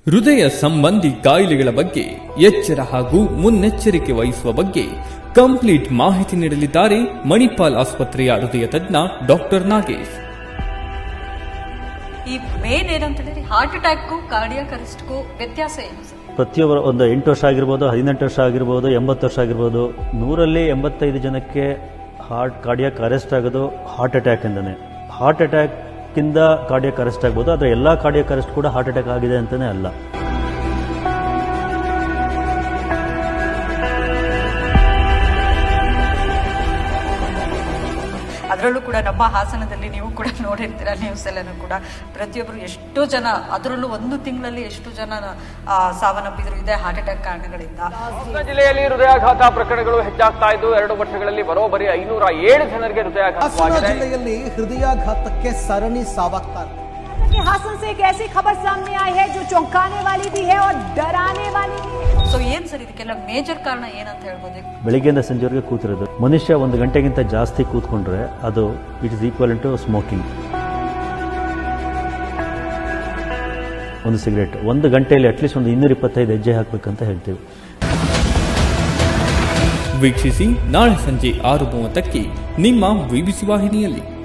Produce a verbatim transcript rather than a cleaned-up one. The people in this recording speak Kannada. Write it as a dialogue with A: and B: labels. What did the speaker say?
A: ಹೃದಯ ಸಂಬಂಧಿ ಕಾಯಿಲೆಗಳ ಬಗ್ಗೆ ಎಚ್ಚರ ಹಾಗೂ ಮುನ್ನೆಚ್ಚರಿಕೆ ವಹಿಸುವ ಬಗ್ಗೆ ಕಂಪ್ಲೀಟ್ ಮಾಹಿತಿ ನೀಡಲಿದ್ದಾರೆ ಮಣಿಪಾಲ್ ಆಸ್ಪತ್ರೆಯ ಹೃದಯ ತಜ್ಞ ಡಾಕ್ಟರ್ ನಾಗೇಶ್.
B: ಈ ಮೇನ್ ಏನಂತ ಹೇಳಿದ್ರೆ ಹಾರ್ಟ್ ಅಟ್ಯಾಕ್ಗೂ ಕಾರ್ಡಿಯಾಕ್ ಅರೆಸ್ಟ್ಗೂ ವ್ಯತ್ಯಾಸ ಏನು ಸರ್?
C: ಪ್ರತಿಯೊಬ್ಬರು ಒಂದು ಎಂಟು ವರ್ಷ ಆಗಿರ್ಬೋದು, ಹದಿನೆಂಟು ವರ್ಷ ಆಗಿರ್ಬೋದು, ಎಂಬತ್ತು ವರ್ಷ ಆಗಿರ್ಬೋದು, ನೂರಲ್ಲಿ ಎಂಬತ್ತೈದು ಜನಕ್ಕೆ ಹಾರ್ಟ್ ಕಾರ್ಡಿಯಾಕ್ ಅರೆಸ್ಟ್ ಆಗೋದು ಹಾರ್ಟ್ ಅಟ್ಯಾಕ್ ಇಂದನೇ. ಹಾರ್ಟ್ ಅಟ್ಯಾಕ್ ಇಂದ ಕಾರ್ಡಿಯಾಕ್ ಅರೆಸ್ಟ್ ಆಗ್ಬೋದು, ಆದರೆ ಎಲ್ಲ ಕಾರ್ಡಿಯಾಕ್ ಅರೆಸ್ಟ್ ಕೂಡ ಹಾರ್ಟ್ ಅಟ್ಯಾಕ್ ಆಗಿದೆ ಅಂತಾನೆ ಅಲ್ಲ.
B: ಅದರಲ್ಲೂ ಕೂಡ ನಮ್ಮ ಹಾಸನದಲ್ಲಿ ನೀವು ಕೂಡ ನೋಡಿರ್ತೀರ ನ್ಯೂಸ್ ಎಲ್ಲನೂ ಕೂಡ ಪ್ರತಿಯೊಬ್ಬರು ಎಷ್ಟೋ ಜನ, ಅದರಲ್ಲೂ ಒಂದು ತಿಂಗಳಲ್ಲಿ ಎಷ್ಟು ಜನ ಸಾವನ್ನಪ್ಪಿದ್ರು ಇದೆ ಹಾರ್ಟ್ ಅಟ್ಯಾಕ್ ಕಾರಣಗಳಿಂದ.
D: ಹಾಸನ ಜಿಲ್ಲೆಯಲ್ಲಿ ಹೃದಯಾಘಾತ ಪ್ರಕರಣಗಳು ಹೆಚ್ಚಾಗ್ತಾ ಇದ್ದು ಎರಡು ವರ್ಷಗಳಲ್ಲಿ ಬರೋಬ್ಬರಿ ಐನೂರ ಏಳು ಜನರಿಗೆ ಹೃದಯಾಘಾತವಾಗಿದೆ.
E: ಹಾಸನ ಜಿಲ್ಲೆಯಲ್ಲಿ ಹೃದಯಾಘಾತಕ್ಕೆ ಸರಣಿ ಸಾವಾಗ್ತಾ ಇದೆ.
F: हासन से एक ऐसी खबर सामने आई है जो चौंकाने वाली भी है और डराने वाली भी है.
B: ಸೊ ಏನ್ ಸರ್ ಇದಕ್ಕೆಲ್ಲ ಮೇಜರ್ ಕಾರಣ ಏನಂತ ಹೇಳ್ಬೋದು?
C: ಬೆಳಿಗ್ಗೆಯಿಂದ ಸಂಜೆವರೆಗೆ ಕೂತಿರೋದು. ಮನುಷ್ಯ ಒಂದು ಗಂಟೆಗಿಂತ ಜಾಸ್ತಿ ಕೂತ್ಕೊಂಡ್ರೆ ಅದು it is equal to smoking. ಒಂದು ಸಿಗರೇಟ್ ಒಂದು ಗಂಟೆಯಲ್ಲಿ ಅಟ್ಲೀಸ್ಟ್ ಒಂದು ಇನ್ನೂರ ಇಪ್ಪತ್ತೈದು ಹೆಜ್ಜೆ ಹಾಕ್ಬೇಕಂತ ಹೇಳ್ತೀವಿ.
A: ವೀಕ್ಷಿಸಿ ನಾಳೆ ಸಂಜೆ ಆರು ಮೂವತ್ತಕ್ಕೆ ನಿಮ್ಮ ವಿಬಿಸಿ ವಾಹಿನಿಯಲ್ಲಿ.